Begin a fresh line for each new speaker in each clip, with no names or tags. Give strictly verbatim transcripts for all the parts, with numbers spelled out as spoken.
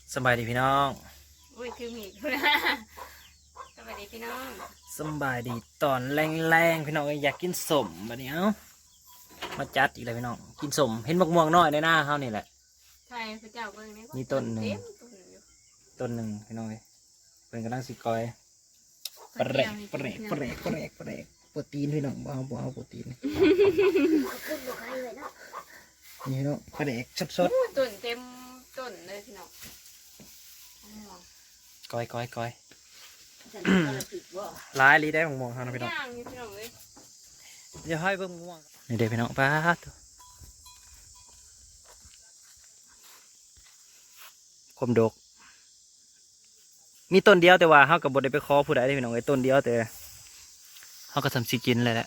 สบายดีพี่น้อง
อุ้ยคือมีดนะสวัสดีพี่น้อง
สบายดีตอนแรงๆพี่น้องอยากกินสมบัดนี้เอ้ามาจัดอีกเลยพี่น้องกินสมเห็นมะม่วงน้อยในหน้าเขานี่แหละ
ใช่พระเจ้าเบิ่งนี่
มีต้นหนึ่ง
เต็มต้นอยู่
ต้นหนึ่งพี่น้องเอ้ยเป็นกำลังสิกอยปลาแรกปลาแรกปลาแรกปลาแรกปลาแรกโปรตีนพี่น้องบ่เอาบ่เอาโปรตีนนี่พี่น้องปลาแรกสด
ต้นเต็มต้นเลยพี่น้อง
ๆกอยกอยกอยลายลีได้มะม่วงเขานะพี่น้อง
ย่างอยู่พี่น้องเลย
เดี๋ยวให้เบิ่งมะม่วงนี่เด้พี่น้องป้าดคมดกมีต้นเดียวแต่ว่าเขากับบดได้ไปขอผู้ใดได้พี่น้องไอ้ต้นเดียวแต่เขาก็ทำสิกินเลยแหละ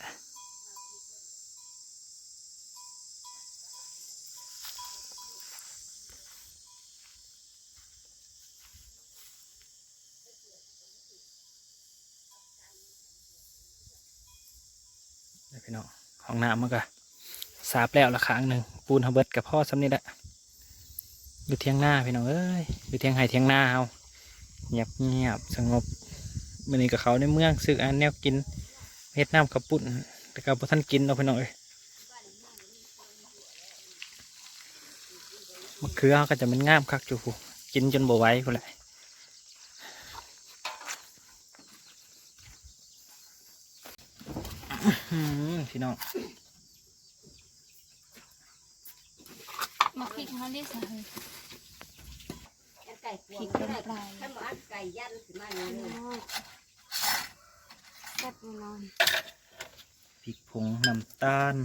พี่น้องห้องน้ำมันก็สาบแล้วละครั้งหนึ่งปูนเขาเบิดกับพ่อซ้ำนี่แหละอยู่เทียงหน้าพี่น้องเอ้ยอยู่เทียงไห่เทียงหน้าเขาเงียบเงียบสงบมันนี่กับเขาในเมืองซื้ออันแนวกินเฮ็ดน้ำกระปุ่นแต่กับท่านกินเราพี่น้องเอ้ยมะเขือเขาก็จะเป็นง่ามคักอยู่ผู้กินจนบ่ไหวผู้แหละพี่น้อง
มาพริกเขาเรียกอะไรพริกเป็นปลายถ้าหมาไก่ยันขึ้นมาเลยแซ่บแน่นอน
พริกผงน้ำตาล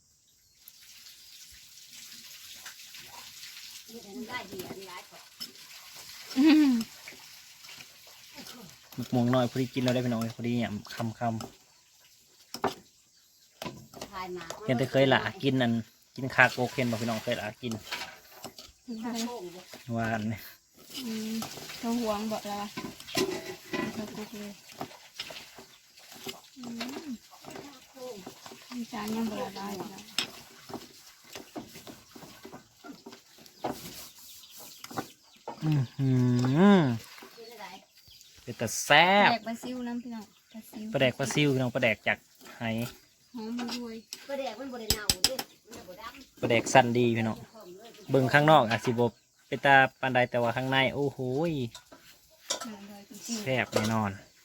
มะม่วงน้อยพอดีกินเราได้พี่น้องพอดีเนี่ยคำคำเห็นแต่เคยหละกินนั่นกินคาโกเคนบอกพี่น้องเคยหละกินหวานเนี่ย
เขาห่วงบอกแล้วเขากุกเลยมีจานยังบละลายแล้ว
อือหือเป็นแต่แซ่บ
แดกปลาซิวน้ำพี่น้องปลาซิว
ปลาแดกปลาซิวพี่น้องปลาแดกจากไห
หอมมันรวยปลาแดกมันบริเนาด้วยมันบดำ
ปลาแดกสั้นดีพี่น้องเบิ่งข้างนอกอาจสิบเป็นตาปานใดแต่ว่าข้างในโอ้โหแซ่บแน่นอน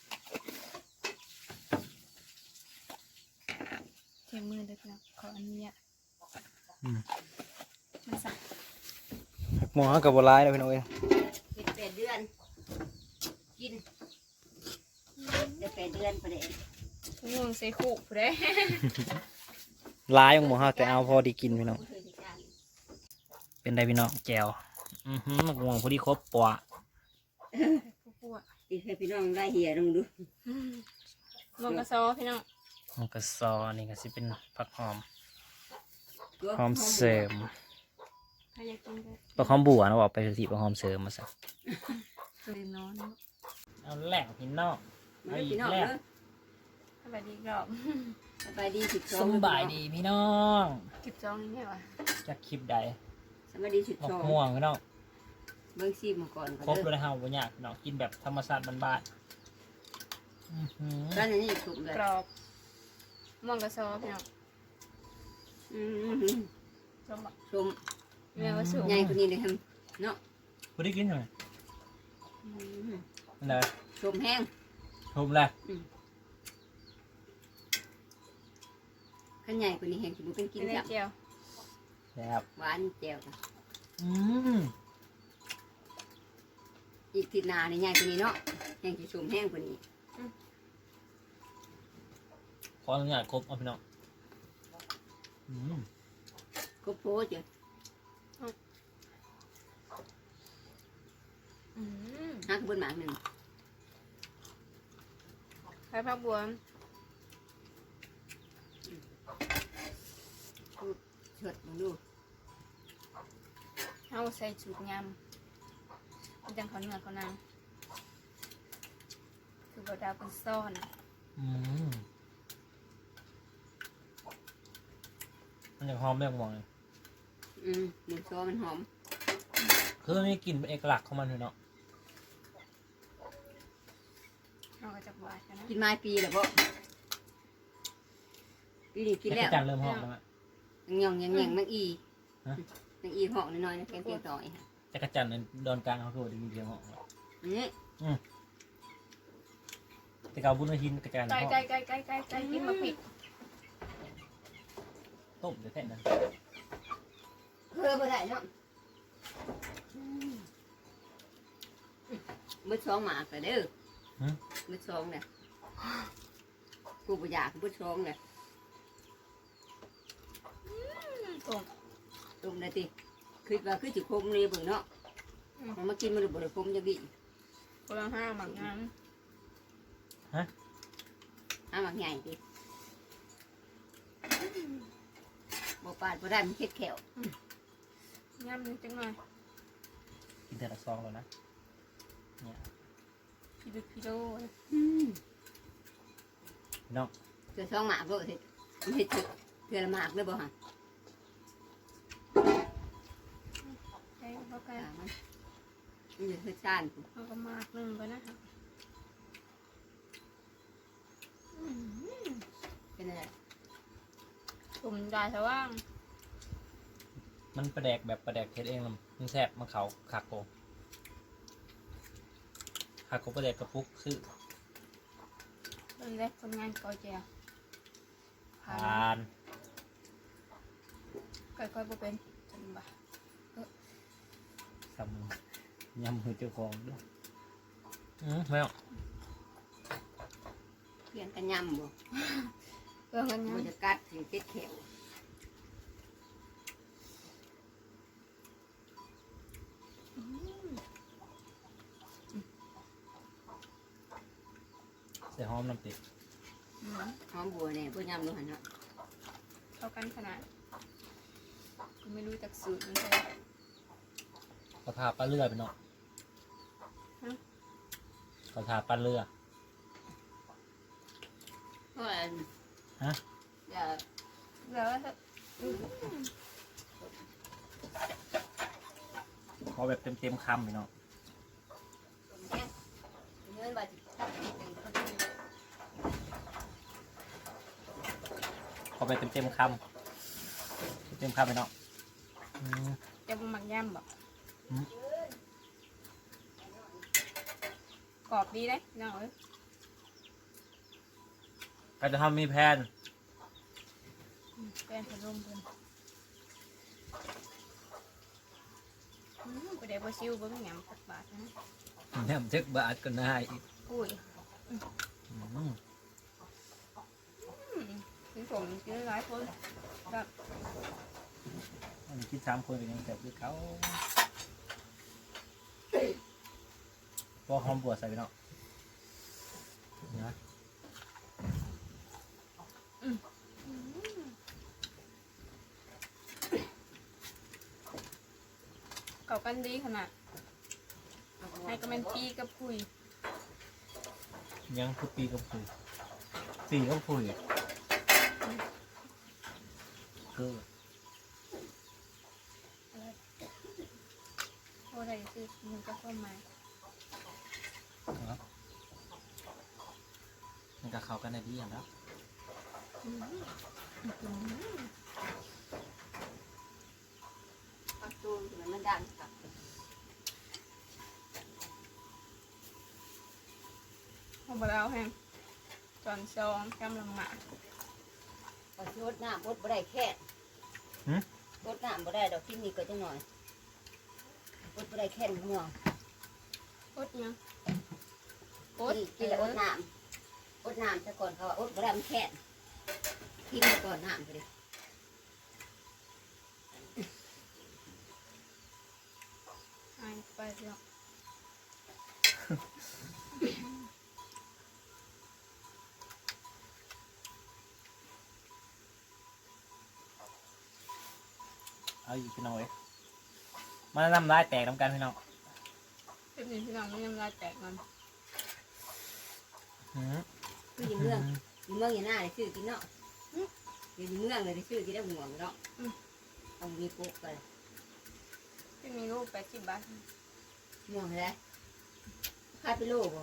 เทียมมือเด็กนะขออันนี้
อืม
มันสัก
หมอกับบัวลายแล้วพี่น้องเอ้ย
เจ็ดแปดเดือนกินเจ็ดแปดเดือนประเดี๋ยว
ง่วงใส่ขู่ผู้ใด
ลายของหมอเขาแต่เอาพอดีกินพี่น้องเป็นไดพี่น้องแจวอือหือหมวงพอดีครบปะ
ผู้อ่ะ
อีกให้พี่น้องได้เหี่ยลงดู
ลงกระซอพี่น้อง
มันก็ซอนี่ก็สิเป็นผักหอมหอมเสริม
ใครอยากกินก็
ผักหอมบัวนะบอกไปสิผักหอมเสริมมาซะ
ตื่นนอน
เอาแหล่งพี่น้อง
มาเลยพี่น้องเนอะ
สบายดีกรอบ
สบายดีสิบสอ
ส
ง
บายดีพี่น้อง
สิบสองนี่ไงวะ
จะคลิปใด
สบายดีสิบ
หม
ส
ก
อง
ม่วงพี่น้อง
เบิ้งซีมาก่อน
ครบเลยนะฮะวันนี้พี่น้องกินแบบธรรมชาติบ้านๆอื้อหือ
ร้านนี้ถูกเลย
กรอบม่วงกระซอพี่น้อง
อืม
ชมบอก
ชม
แม่ว่าสูง
ใหญ่กว่านี้เลยครับเนาะ
คุณได้กินไหม
อืม
นั่นเลย
ชมแห้ง
ชมเลย
ขันใหญ่กว่านี้แห้งจะบุเป็นกิน
กินได้
จับ
เจียว
แบบ
หวานแจ่ว
อืม
อีกทีหนาในใหญ่กว่านี้เนาะแห้งจะชมแห้งกว่านี้
ขออนุญาตครบเอาพี่น้องอืม
ก็โพสจ้ะ
อืม
หักเบิ้ลหมากหนึ่ง
ใช้ผักบัว
เฉิดมาดู
เอาใส่สูตรยำมันจังเขาเนื้อเขานางคือบดาวเป็นซ่อน
อืมมันจะหอมแบบหมองเลย
อืมหมูซอมันหอม
คือมันมีกลิ่นเป็นเอกลักษณ์ของมันเลยเนาะ
เราก็จะบวชกันนะ
กินมาปีแล้วบ่ปีนี้กิน
แล้
แล้ว ว
จันเริ่มหอมแล้วอะ
ยังยังยังยังนังอี
ฮะ
นังอีห้องน้อยๆนะแกงเตียงต่อย
จักรจันทร์ในดอนกลางเขาคือว่าได้ยินเสียงหอมอะ
อันนี้
แต่เกาบุญหินกระจาย
ไก่
หอม
ไก่ไก่ไก่ไก่ไก่กินมาผิด
ต้มเดี๋ยวแค่นั้น
เพื่อบ่ได้เนาะมือสองหมากแต่เด้อมือสองเนี่ยกูบ่อยากมือสองเนี่ย
ตรง
ตรงได้ติคิดว่าคือสิคมนี่เบิ่งเนาะมันมากินมันบ่ได้คมจังดิ
คนละห้าหมักงาน
หาหมากใหญ่ติบ่ปาดบ่ได้มันเฮ็ดแขว
ย่ำนิดจังหน่อย
กินแต่ละซองแล้วนะเนี่ย
พิโดพิโด
อืม
พี่น้อง
เทื่อสองหมากก็เฮ็ดมันเฮ็ดเทื่อละหมากเด้อบ่ฮะ
ไก่ก็ไก่
อ่ามันมันจะเฮ็ดชาน
เอาก็มากหนึ่งไปนะคะ
เป็นอะไร
ตุ่มดาสว่าง
มันประแดกแบบประแดกเทสเองมันแซ่บมันเขาขักโกขักโกประแดกกระปุกซื้อ
เริ่มแรกคนงานก่อยเจียว
ทาน
ก่อยก่อยบ่เป็นจังบ่
สำมือยำมือเจ้าของด้วยอืมไม่เอา
เพียนกันยำบ่
เรื่องกัน
บ่
ยัง
จะกัดสิเฮ็ดแขว
ใส่หอมน้ำติด
อืม
หอมบัวเนี่ยบ่ยำดูหั่นเนาะ
เท่ากันขนาดกูไม่รู้จักสูตรมันเลย
กระทาปลาเรือไปเนาะกระทาปลาเรือ
เพราะว่า
ฮะ
อย่า
แล้วถ้า
ขอแบบเต็มๆคำไปเนาะ
แห้งเงินบาทสิตัดเป็นคนที่
ขอแบบเต็มๆคำเต็มๆคำไปเนาะอืม
จะบ่หมักย่ำบ่
อืม
กรอบดีเลยน้องเอ้ย
ก็จะทำมีแพน
อืมแป้งผสมเพิ่นอืมไปได้บ่ซิวเบิ่งหยังสักบาทนะ
แหนมเจ็กบาทก็ได้อีก
อุ้ย
อืม
อืมถึงผมกินหลายคนแบบ
อันนี้คิดสามคนก็ยังแซ่บด้วยเขาพอหอมบัวใส่ไปเนาะนะ
เก่ากันดีขนาดให้ก็เป็นปีกับคุย
ยังคือปีกับคุยปีกับคุยคือ
โอ้ได้สิมันก็เข้ามา
ครับมันก็เข้ากันได้ดีอย่างแล้ว
อืมอืม
ปักตูนมันมันดังครับ
เอาไปแล้วแฮงจอนซองกำลังหมา
ก็สิรดน้ำรดบ่ได้แค่รดน้ำบ่ได้ดอกที่นี่ก็จังหน่อยรดบ่ได้แค่ห่วง
อดยังอด
นี่กินแล้วอดน้ำอดน้ำซะก่อนเขาว่าอดบ่ได้มันแค่กินไปก่อนน้ำไปเลย
หายไปแล้ว
เอาอยู่พี่น้องเอ้ยมาน้ำลายแตกน้ำกันพี่น้อง
เป็นนี่พี่น้องไม่ยำลายแตกมัน
อืม
คืออยู่เมืองอยู่เมืองอย่าหน้าได้ซื้อกินเนาะอยู่เมืองเลยได้ซื้อกินได้ห่วงเนาะต้องมีปุ๊กไป
ที่มีลูกแปดสิบบาท
ม่วงอะไรขายไปโลบ่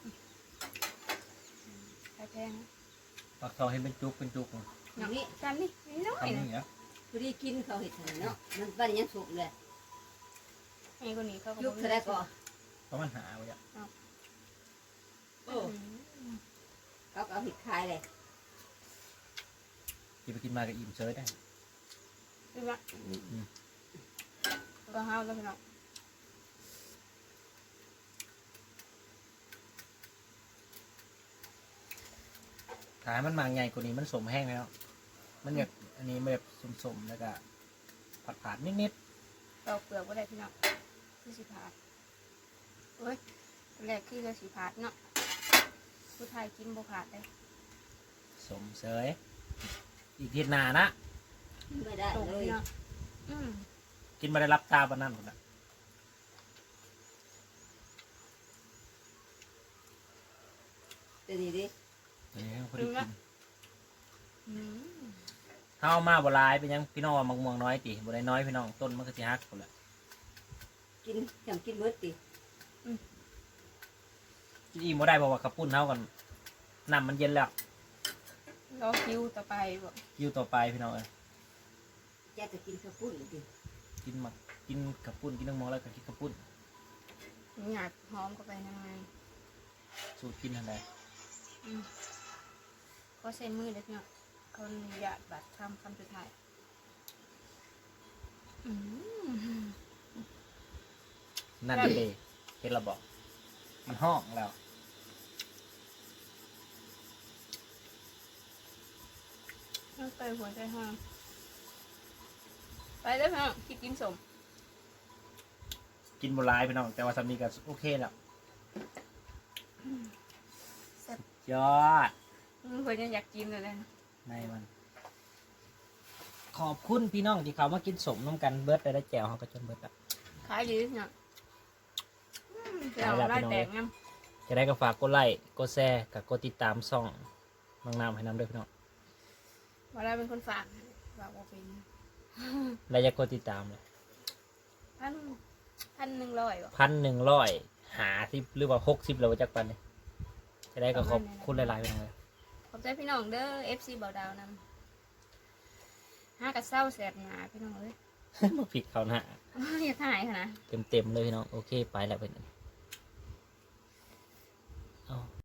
ขายแพง
ปักทองให้เป็นจุกเป็นจุก
อย่างนี้
จานนี่นี่น้อย
ทำนี่เหรอ
พอดีกินเขาเห็ดหั่นเนาะมันบ้านยังสุกเลย
ไอ้คนนี้เขาก็
ยุบเท่าไรก็
เพราะมันหาไว้อะ
โอ้เขาก็เอาเห็ดขายเลย
กินไปกินมาก็อิ่มเฉยได้
ดูว่าก็ห้าวแล้วพี่น้อง
ถ้าให้มันมาไงกว่านี้มันสมแห้งแล้วมันแบบอันนี้มันแบบสมๆแล้วก็ผัดผัดๆนิด
ตอกเปลือกก็ได้พี่น้องคือสีผาดเอ้ยแรกคือจะสีผาดเนาะผู้ไทยกินบ่ผาดเลย
ๆสมเฉยอีกทีหนานะ
ไม่ได้
ตรง
เลย
พี่น้องอืม
กินมาได้รับตาปานนั้นหมดละ
เดี๋ยวนี้ดิ
เดี๋ยวพอดีกิน
อืม
เฮามาบ่หลายเป็นหยังพี่น้องว่ามักม่วงน้อยติบ่ได้น้อยพี่น้องต้นมันก็สิฮักพุ่นแหละ
กินจำกินเบิดติ
กินอิ่มบ่ได้เพราะว่าขับปุ้นเฮากันน้ำมันเย็นแล้ว
รอคิวต่อไปบ่
อยู่ต่อไปพี่น้องเอ้ย
แกจะกินข้าวปุ้นติ
กินมักกินขับปุ้นกินน้ำมองแล้วก็กินขับปุ้น
หยาดหอมเข้าไปทางใน
สูตรกินทันใด
อืมก็ใช้มือเลยพี่น้องคนหยาดบัดคำคำสุดท้ายอืม
นั่นเด้เฮ็ดระบอกมันห้องแล้ว
ต้องไปหัวใจห้างไปแล้วพี่น้องคิดกินสม
กินบ่หลายพี่น้องแต่ว่าสามีก็โอเคแล้ว
แซ่บ
ยอด
เพื่อนยังอยากกินเลยนะ
ในมัน ขอบคุณพี่น้องที่เขามากินสมน้ำกันเบิดได้แจวเขาก็จนเบิดอ่ะ
ขายดีพี่น้องอืมเดี๋ยวไล่แตกงั้น
จะได้ก็ฝากกดไลค์กดแชร์กับกดติดตามช่องน้องน้ำให้น้ำด้วยพี่น้อง
ว่าได้เป็นคนฝากฝากว่าเป็น
แล้วจะกดติดตามเลย
พันพันหนึ่งร้อยบ่
พันหนึ่งร้อยหาสิบหรือว่าหกสิบแล้วจักปันเนี่ยจะได้ก็ขอบคุณหลายๆพี่น้องเลย
ขอบใจพี่น้องเด้อ เอฟ ซี เบาดาวนำห้ากับเศร้าแสบหนาพี่น้องเลย
มาผิดเขานะ
อย่าถ่ายค่ะนะ
เต็มๆเลยพี่น้องโอเคไปแล้วเป็นเอา